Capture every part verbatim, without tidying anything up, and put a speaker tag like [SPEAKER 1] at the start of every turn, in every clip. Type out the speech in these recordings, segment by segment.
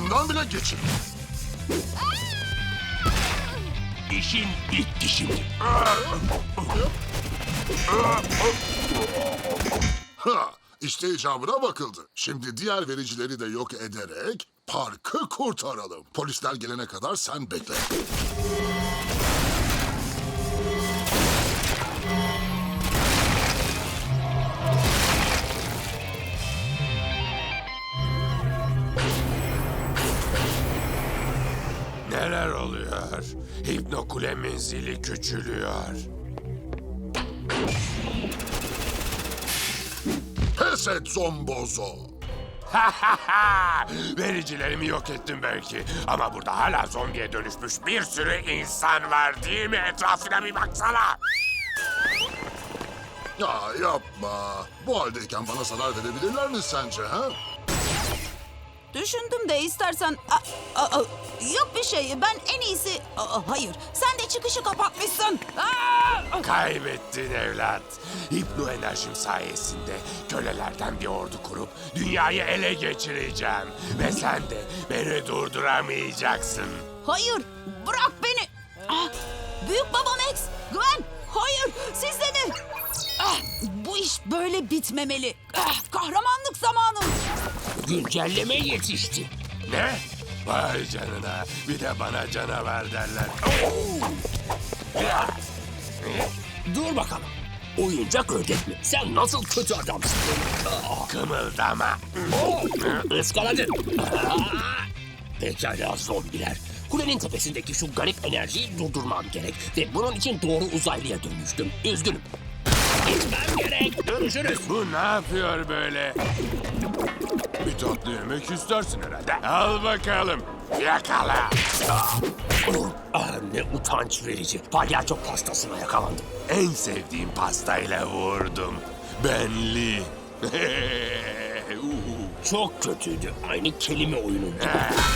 [SPEAKER 1] yanından bile geçin.
[SPEAKER 2] İşin bitti şimdi.
[SPEAKER 1] Ha, işte icabına bakıldı. Şimdi diğer vericileri de yok ederek parkı kurtaralım. Polisler gelene kadar sen bekle.
[SPEAKER 2] Neler oluyor? Hipnokule menzili küçülüyor.
[SPEAKER 1] Pes et Zombozo.
[SPEAKER 2] Vericilerimi yok ettim belki. Ama burada hala zombiye dönüşmüş bir sürü insan var değil mi? Etrafına bir baksana.
[SPEAKER 1] Ya yapma. Bu haldeyken bana zarar verebilirler mi sence ha?
[SPEAKER 3] Düşündüm de istersen... Aa, aa, yok bir şey. Ben en iyisi... Aa, hayır. Sen de çıkışı kapatmışsın. Aa!
[SPEAKER 2] Kaybettin evlat. Hipno enerjim sayesinde kölelerden bir ordu kurup dünyayı ele geçireceğim. Ve sen de beni durduramayacaksın.
[SPEAKER 3] Hayır. Bırak beni. Ah, büyük baba Max. Gwen. Hayır. Siz de mi? Ah, bu iş böyle bitmemeli. Ah, kahramanlık zamanı.
[SPEAKER 4] Güncelleme yetişti.
[SPEAKER 2] Ne? Vay canına. Bir de bana canavar derler.
[SPEAKER 4] Dur bakalım. Oyuncak ördek mi? Sen nasıl kötü adamsın?
[SPEAKER 2] Kımıldama.
[SPEAKER 4] Iskaladın. Pekala zombiler. Kulenin tepesindeki şu garip enerjiyi durdurmam gerek. Ve bunun için doğru uzaylıya dönüştüm. Üzgünüm. Gitmem gerek. Görüşürüz.
[SPEAKER 2] Bu ne yapıyor böyle? Bir tatlı yemek istersin herhalde. Al bakalım. Yakala.
[SPEAKER 4] Ah, ne utanç verici. Palyaço pastasına yakalandım.
[SPEAKER 2] En sevdiğim pastayla vurdum. Benli.
[SPEAKER 4] Çok kötüydü. Aynı kelime oyunu gibi.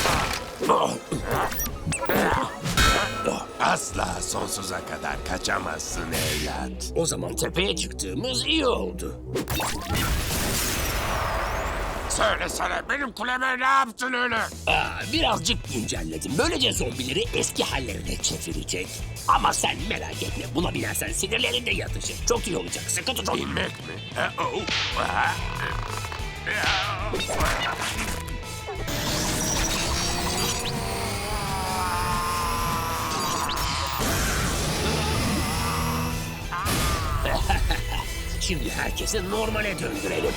[SPEAKER 2] Asla sonsuza kadar kaçamazsın evlat.
[SPEAKER 4] O zaman tepeye çıktığımız iyi oldu.
[SPEAKER 2] Söylesene benim kuleme ne yaptın öyle?
[SPEAKER 4] Aa, birazcık güncelledim. Böylece zombileri eski hallerine çevirecek. Ama sen merak etme. Buna binersen sinirlerin de yatışır. Çok iyi olacak. Sıkı tutun.
[SPEAKER 2] İnmek mi? Ha, oh. Ha.
[SPEAKER 4] Şimdi herkesi normale döndürelim.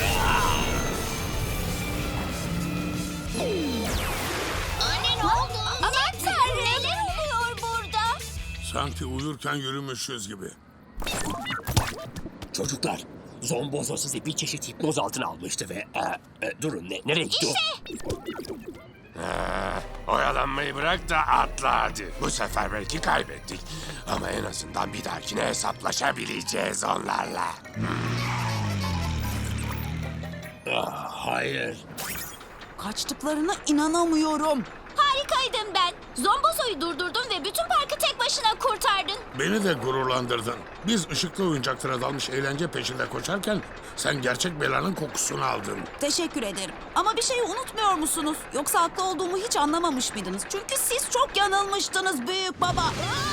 [SPEAKER 5] Anne ne oldu? Aman tanrım. Neler oluyor burada?
[SPEAKER 6] Sanki uyurken yürümüşüz gibi.
[SPEAKER 4] Çocuklar, Zombozo sizi bir çeşit hipnoz altına almıştı ve... E, e, durun, ne, nereye gitti o?
[SPEAKER 2] Ha, oyalanmayı bırak da atla hadi. Bu sefer belki kaybettik. Ama en azından bir dahakine hesaplaşabileceğiz onlarla.
[SPEAKER 4] Ah, hayır.
[SPEAKER 3] Kaçtıklarına inanamıyorum.
[SPEAKER 5] Harikaydın ben. Zombozo'yu durdurdun ve bütün parkı tek başına kurtardın.
[SPEAKER 6] Beni de gururlandırdın. Biz ışıklı oyuncaklara dalmış eğlence peşinde koşarken sen gerçek belanın kokusunu aldın.
[SPEAKER 3] Teşekkür ederim. Ama bir şeyi unutmuyor musunuz? Yoksa haklı olduğumu hiç anlamamış mıydınız? Çünkü siz çok yanılmıştınız büyük baba.